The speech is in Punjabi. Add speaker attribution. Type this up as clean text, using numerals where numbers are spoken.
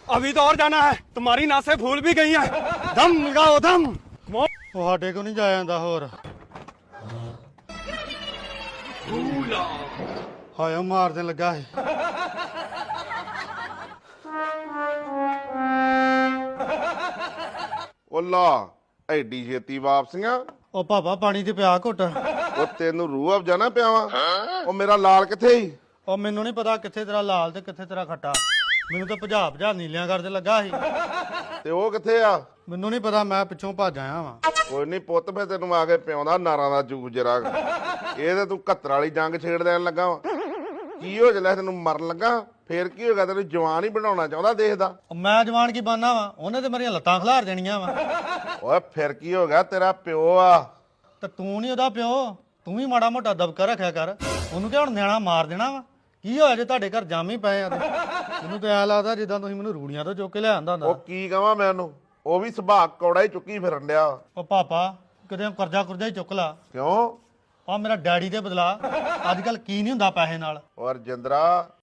Speaker 1: अभी तो और जाना है, तुम्हारी नासें फूल भी गई हैं। दम लगाओ दम।
Speaker 2: ਸਾਡੇ ਕੋ ਨਹੀਂ ਜਾਇਆ ਜਾਂਦਾ ਹੋਰ ਹਾਏ ਮਾਰਦੇ ਲੱਗਾ ਸੀ
Speaker 3: ਉਹ ਲਾ ਐਡੀ ਛੇਤੀ ਵਾਪਸੀਆਂ।
Speaker 2: ਉਹ ਪਾਪਾ ਪਾਣੀ ਤੇ ਪਿਆ ਘੁੱਟ
Speaker 3: ਉਹ ਤੈਨੂੰ ਰੂਹ ਅਫਜਾ ਨਾ ਪਿਆਵਾਂ। ਉਹ ਮੇਰਾ ਲਾਲ ਕਿੱਥੇ ਸੀ?
Speaker 2: ਉਹ ਮੈਨੂੰ ਨਹੀਂ ਪਤਾ ਕਿੱਥੇ ਤੇਰਾ ਲਾਲ ਤੇ ਕਿੱਥੇ ਤੇਰਾ ਖੱਟਾ ਮੈਨੂੰ ਤਾਂ ਭਜਾ ਨੀਲਿਆਂ ਕਰਦੇ ਲੱਗਾ ਸੀ
Speaker 3: ਤੇ ਉਹ ਕਿੱਥੇ ਆ?
Speaker 2: ਮੈਨੂੰ ਨਹੀਂ ਪਤਾ ਮੈਂ ਪਿੱਛੋਂ ਭੱਜ ਆਇਆ ਵਾਂ
Speaker 3: ਕੋਈ ਨਹੀਂ ਪੁੱਤ, ਮੈਂ ਤੈਨੂੰ ਆ ਕੇ ਪਿਆਉਂਦਾ ਨਾਰਾਂ ਦਾ ਜੂਸ ਜਰਾ। ਇਹ ਤੇ ਤੂੰ ਘੱਤਰ ਵਾਲੀ ਜੰਗ ਛੇੜ ਦੇਣ ਲੱਗਾ ਵਾ। ਕੀ ਹੋ ਜਲੇ ਤੈਨੂੰ ਮਰਨ ਲੱਗਾ? ਫੇਰ ਕੀ ਹੋ ਗਿਆ? ਤੈਨੂੰ ਜਵਾਨ ਹੀ ਬਣਾਉਣਾ ਚਾਹੁੰਦਾ ਦੇਖਦਾ।
Speaker 2: ਉਹ ਮੈਂ ਜਵਾਨ ਕੀ ਬਣਨਾ ਵਾ? ਉਹਨੇ ਤੇ ਮੇਰੀਆਂ ਲੱਤਾਂ ਖਿਲਾਰ ਦੇਣੀਆਂ ਵਾ
Speaker 3: ਓਏ ਫਿਰ ਕੀ ਹੋ ਗਿਆ? ਤੇਰਾ ਪਿਓ ਆ।
Speaker 2: ਤੇ ਤੂੰ ਨਹੀਂ ਉਹਦਾ ਪਿਓ, ਤੂੰ ਵੀ ਮਾੜਾ ਮੋਟਾ ਦਬਕਾ ਰੱਖਿਆ ਕਰ। ਉਹਨੂੰ ਕਿ ਹੁਣ ਨਿਆਣਾ ਮਾਰ ਦੇਣਾ ਵਾ? ਕੀ ਹੋਇਆ ਜੇ ਤੁਹਾਡੇ ਘਰ ਜਾਮ ਹੀ ਪਏ ਆ ਤੇ ਮੈਨੂੰ ਤਾਂ ਐ ਲੱਗਦਾ ਜਿੱਦਾਂ ਤੁਸੀਂ ਮੈਨੂੰ ਰੂੜੀਆਂ ਤੋਂ ਚੁੱਕ ਕੇ ਲਿਆਂਦਾ ਹੁੰਦਾ।
Speaker 3: ਉਹ ਕੀ ਕਹਾਂ ਮੈਂ ਉਹਨੂੰ? ਉਹ ਵੀ ਸੁਭਾਅ ਕੌੜਾ ਹੀ ਚੁੱਕੀ ਫਿਰਨ ਡਿਆ।
Speaker 2: ਉਹ ਪਾਪਾ ਕਿਤੇ ਕਰਜ਼ਾ ਕੁਰਜ਼ਾ ਹੀ ਚੁੱਕ ਲਾ।
Speaker 3: ਕਿਉਂ?
Speaker 2: ਆ ਮੇਰਾ ਡੈਡੀ ਦੇ ਬਦਲਾ। ਅੱਜ ਕੱਲ ਕੀ ਨਹੀਂ ਹੁੰਦਾ ਪੈਸੇ ਨਾਲ।
Speaker 3: ਔਰ ਜਿੰਦਰਾ